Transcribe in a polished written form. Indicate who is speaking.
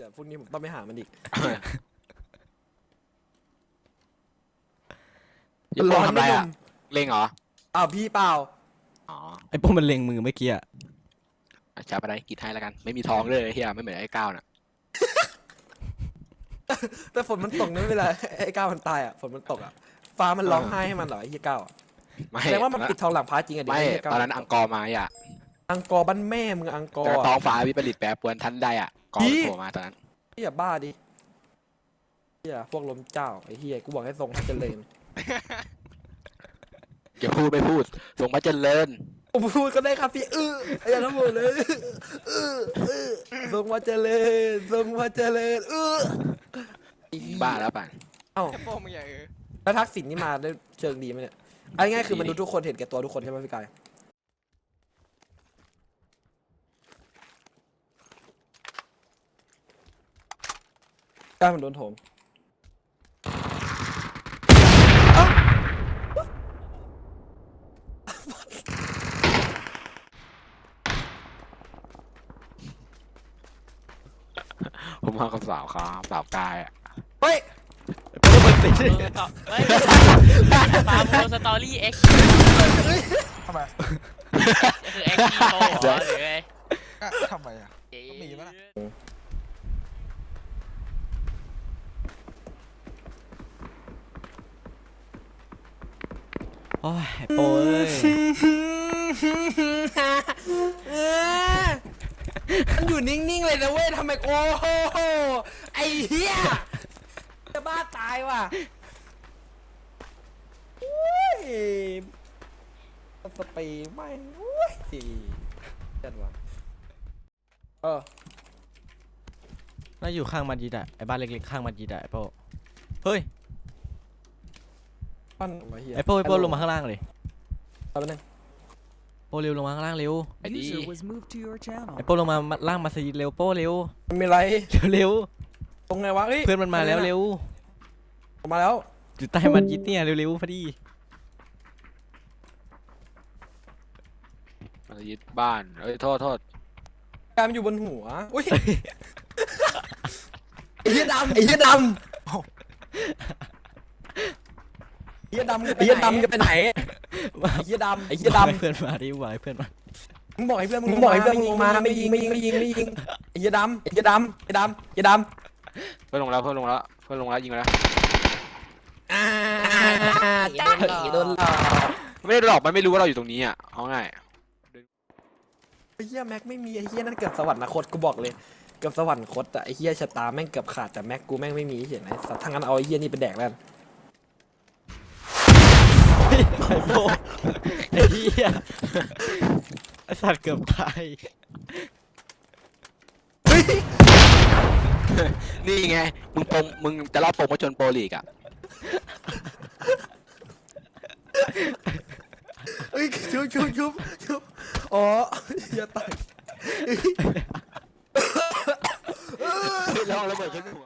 Speaker 1: พรุ่งนี้ผมต้องไปหามันอีก
Speaker 2: อย่าโป้ทำไรอ่ะเล็งเหรอ
Speaker 1: อ้าวพี่เปล่า
Speaker 2: อ๋อ
Speaker 3: ไอ้พวกมันเล็งมือเมื่อกี้อะ
Speaker 2: จะไปได้กินให้แล้วกันไม่มีทองเลยเฮียไม่เหมือนไอ้ก้าวน่ะ
Speaker 1: แต่ฝนมันตกนี่ไม่เป็นไรไอ้ก้าวมันตายอ่ะฝนมันตกอ่ะฟ้ามันร้องไห้ให้มันเหรอไอ้เหี้ยก้าวอะ
Speaker 2: ไม่
Speaker 1: แสดงว่ามันปิดทองหลังพระจริงอ่ะเดี๋ยว
Speaker 2: ไม่
Speaker 1: ไอ้เหี้ยก้าว
Speaker 2: ตอนนั้นอังกอร์มาอ่ะ
Speaker 1: อังกอร์บ้านแม่มึงอังกอ
Speaker 2: แต่
Speaker 1: ร์
Speaker 2: ท้องฟ้าวิปริตแปรปรวนทันใดอ่ะกอร์มันโผล่มาตอนนั้น
Speaker 1: เหี้ยบ้าดิเหี้ยพวกลมเจ้าไอ้เหี้ยกูบอกให้ทรงพระเจริญ
Speaker 2: อย่าพูดไม่พูดทรงพระเจริญ
Speaker 1: ผมพูดก็ได้ครับพี่อย่าทั้งหมดเลยทรงพระเจริญทรงพระเจริญไอ้เหี้ย
Speaker 2: บ้าแล้วป่ะ
Speaker 1: เอ้า
Speaker 4: โป้มึงอย่า
Speaker 1: แล้วทักษิณนี่มาได้เชิงดีไหมเนี่ยเอาง่ายๆคือมันดูทุกคนเห็นแก่ตัวทุกคนใช่ไหมพี่กายกายมันโดนโถม
Speaker 2: ผมมากับสาวครับสาวกายอ่ะ
Speaker 1: เฮ้ย
Speaker 3: ไอ้พวกมันติด
Speaker 4: เฮ้ยฟาร์มโมสตอรี่เอ็กซ์
Speaker 5: ทำไม
Speaker 4: คือเอ็กซ์ทีโหรอหรือไง
Speaker 5: ทำไมอ่ะ ก็มีปะล่ะ
Speaker 3: โอ้ยไอ้โป้เอ้ย
Speaker 1: มันอยู่นิ่งๆเลยนะเว้ยทำไมโอ้โหไอ้เหี้ยจะบ้าตายว่ะอุ้ยสเปรย์ไม่งอุ้ยจัดว่ะ
Speaker 3: น่าอยู่ข้างมัสยิดอะไอ้บ้านเล็กๆข้างมัสยิดอะไอ้โป้เฮ้ย
Speaker 1: ปั้นไอ้เหี้ย
Speaker 3: ไอ้โป้ลงมาข้างล่างเลย
Speaker 1: เอาไปหนึ่ง
Speaker 3: โป้เร็วลงมาข้างล่างเร็ว
Speaker 2: ไอ้ดี
Speaker 6: User was moved to your channel.
Speaker 3: ไอ้โป้ลงมาล่างมัสยิดเร็วโป้เร็ว
Speaker 1: มันมีอะไร
Speaker 3: เร็ว
Speaker 1: ตรงไงวะเฮ้ย
Speaker 3: เพื่อนมันมาแล้วเร็ว
Speaker 1: ออกมาแล้ว
Speaker 3: อยู่ใต้มัสยิดเนี่ยเร็วๆพอดี
Speaker 2: มายึดบ้านเอ้ยโทษ
Speaker 1: กายมันอยู่บนหัวอุ้ยไอ้เหี้ยดำไอ้เหี้ยดำไอ้เหี้ยดำไอ้เหี้ยดำจะไปไหนไอ้เหี้ยดำไอ้เหี้ย
Speaker 3: ให้
Speaker 1: ดำ
Speaker 3: เพื่อนมาดิวายเพื่อนมา
Speaker 1: มึงบอกให้เพื่อนมึงบอกให้เพื่อนมึงลงมาไม่ยิงไอ้เหี้ยดำไอ้เหี้ยดำไอ้ดำไอ้ดำ
Speaker 2: เพื่อนลงแล้วยิงแล้ว
Speaker 1: จ้าโดนหลอก
Speaker 2: ไม่ได้หลอกมันไม่รู้ว่าเราอยู่ตรงนี้อ่ะเอาง่าย
Speaker 1: ไอ้เหี้ยแม็กไม่มีไอ้เหี้ยนั่นเกือบสวรรคตกูบอกเลยเกือบสวรรคตอะไอ้เหี้ยชะตาแม่งเกือบขาดแต่แม็กกูแม่งไม่มีเห็นไหมสัตว์ทั้งนั้นเอาไอ้เหี้ยนี่ไปแดกแล้ว
Speaker 3: ไอ้โป้ไอ้เหี้ยไอ้สัตว์เกือบตาย
Speaker 2: นี่ไงมึงจะรอบโปรโมชั่นโปรลีกอ่ะ
Speaker 1: เฮ้ยชุบอ๋ออย่าตาย
Speaker 2: ลองระเบิดขึ้นหัว